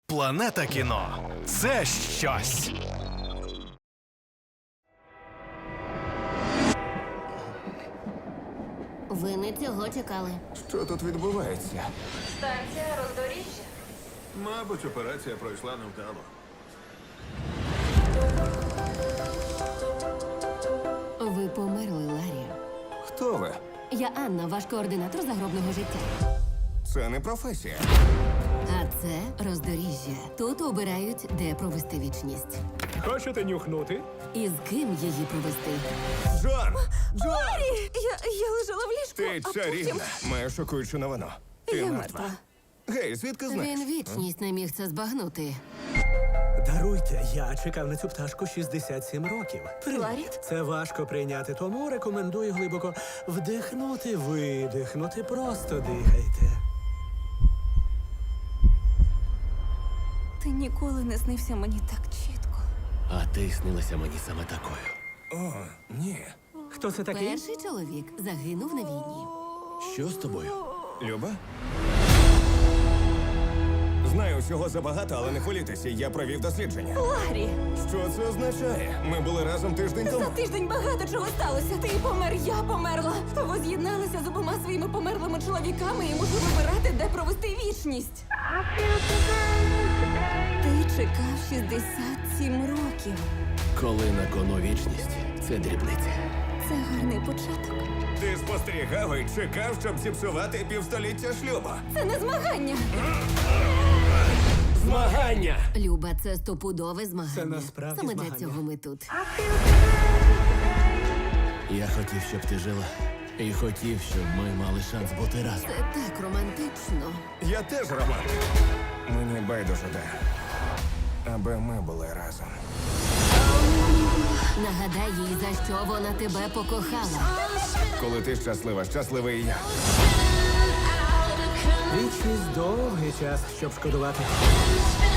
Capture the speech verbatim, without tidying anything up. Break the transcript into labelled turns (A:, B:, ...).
A: Планета кіно – це щось.
B: Ви не цього чекали.
C: Що тут відбувається?
D: Станція роздоріжжя.
E: Мабуть, операція пройшла невдало.
B: Ви померли, Ларі.
C: Хто ви?
B: Я Анна, ваш координатор загробного життя.
C: Це не професія.
B: А це роздоріжжя. Тут обирають, де провести вічність.
F: Хочете нюхнути?
B: І з ким її провести.
C: Джон! Джон!
D: Я, я лежала в ліжку,
C: Ти
D: а
C: чарівна.
D: потім...
C: Маю шокуючу новину. Ти
D: Я
C: мертва.
D: мертва.
C: Гей, звідки знаєш?
B: Він вічність не міг це збагнути.
F: Даруйте, я чекав на цю пташку шістдесят сім років.
D: Ларі?
F: Це важко прийняти, тому рекомендую глибоко вдихнути, видихнути, просто дихайте.
D: Ти ніколи не снився мені так чітко.
G: А ти снилася мені саме такою.
C: О, ні.
F: Хто це такий?
B: Перший чоловік загинув на війні.
G: Що з тобою?
C: Люба? Знаю всього забагато, але не хвилюйтеся, я провів дослідження.
D: Ларі!
C: Що це означає? Ми були разом тиждень тому.
D: За тиждень багато чого сталося. Ти помер, я померла. Ви з'єдналися з обома своїми померлими чоловіками і мушу вибирати, де провести вічність. Ти чекав шістдесят сім років.
G: Коли на кону вічність, це дрібниця.
D: Це гарний початок.
C: Ти спостерігав і чекав, щоб зіпсувати півстоліття шлюбу.
D: Це не змагання.
G: Змагання!
B: Люба, це стопудове змагання.
F: Це насправді
B: Саме
F: змагання.
B: для цього ми тут.
G: Я хотів, щоб ти жила. І хотів, щоб ми мали шанс бути разом.
B: Це так романтично.
C: Я теж роман. Мені байдуже де. Аби ми були разом.
B: Нагадай їй, за що вона тебе покохала.
C: Коли ти щаслива, щасливий і я.
F: Вічність довгий час, щоб шкодувати.